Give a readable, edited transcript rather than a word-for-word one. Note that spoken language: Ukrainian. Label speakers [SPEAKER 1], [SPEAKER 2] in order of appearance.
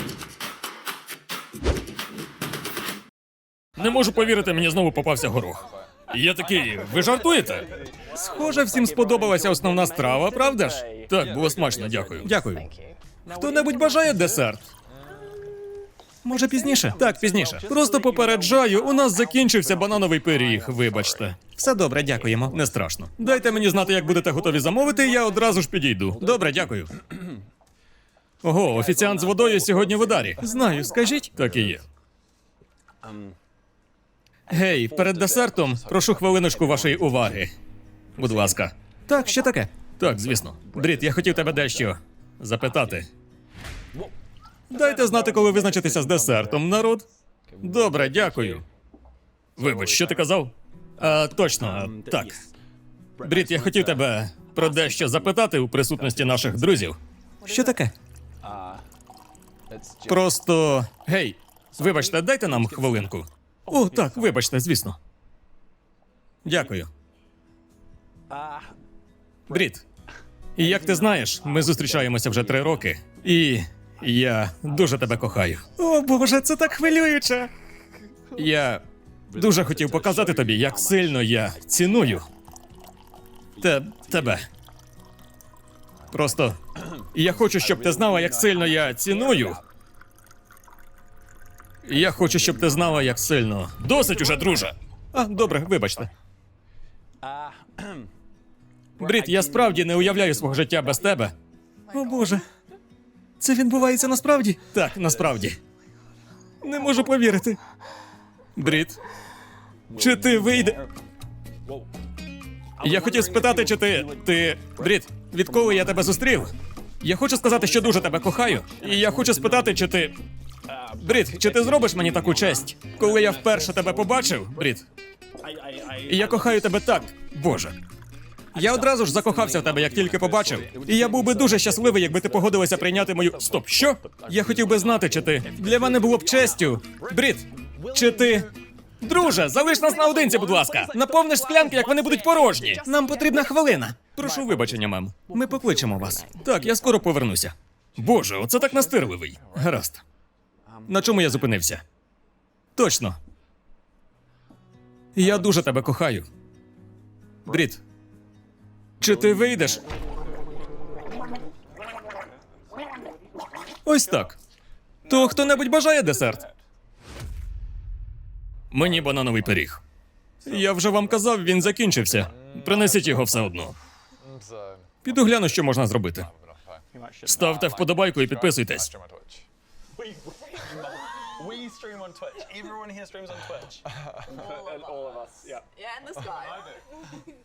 [SPEAKER 1] Не можу повірити, мені знову попався горох. І я такий, ви жартуєте? Схоже, всім сподобалася основна страва, правда ж? Так, було смачно, дякую. Дякую. Хто-небудь бажає десерт? Може, пізніше? Так, пізніше. Просто попереджаю, у нас закінчився банановий пиріг, вибачте. Все добре, дякуємо. Не страшно. Дайте мені знати, як будете готові замовити, і я одразу ж підійду. Добре, дякую. Ого, офіціант з водою сьогодні в ударі. Знаю, скажіть. Так і є. Гей, перед десертом прошу хвилиночку вашої уваги. Будь ласка. Так, що таке? Так, звісно. Брід, я хотів тебе дещо запитати. Дайте знати, коли визначитися з десертом, народ. Добре, дякую. Вибач, що ти казав? Точно, так. Брід, я хотів тебе про дещо запитати у присутності наших друзів. Що таке? Просто. Гей, вибачте, дайте нам хвилинку. О, так, вибачте, звісно. Дякую. Брід, і як ти знаєш, ми зустрічаємося вже 3 роки. І я дуже тебе кохаю. О, Боже, це так хвилююче. Я дуже хотів показати тобі, як сильно я ціную тебе. Просто я хочу, щоб ти знала, як сильно я ціную. Я хочу, щоб ти знала, як сильно. Досить уже, друже. Добре, вибачте. Брід, я справді не уявляю свого життя без тебе. О, Боже. Це відбувається насправді? Так, насправді. Не можу повірити. Брід, чи ти вийде? Я хотів спитати, чи ти... Брід, відколи я тебе зустрів? Я хочу сказати, що дуже тебе кохаю. І я хочу спитати, чи ти... Брід, чи ти зробиш мені таку честь? Коли я вперше тебе побачив, Брід, і я кохаю тебе так, Боже. Я одразу ж закохався в тебе, як тільки побачив. І я був би дуже щасливий, якби ти погодилася прийняти мою... Стоп, що? Я хотів би знати, чи ти... Для мене було б честю. Брід, чи ти... Друже, залиш нас наодинці, будь ласка. Наповниш склянки, як вони будуть порожні. Нам потрібна хвилина. Прошу вибачення, мем. Ми покличемо вас. Так, я скоро повернуся. Боже, оце так настирливий. Гаразд. На чому я зупинився? Точно. Я дуже тебе кохаю. Брід, чи ти вийдеш? Ось так. То хто-небудь бажає десерт? Мені банановий пиріг. Я вже вам казав, він закінчився. Принесіть його все одно. Піду гляну, що можна зробити. Ставте вподобайку і підписуйтесь.
[SPEAKER 2] We stream on Twitch. Everyone here streams on Twitch.
[SPEAKER 3] All of us.
[SPEAKER 2] Yeah.
[SPEAKER 3] Yeah, and this guy.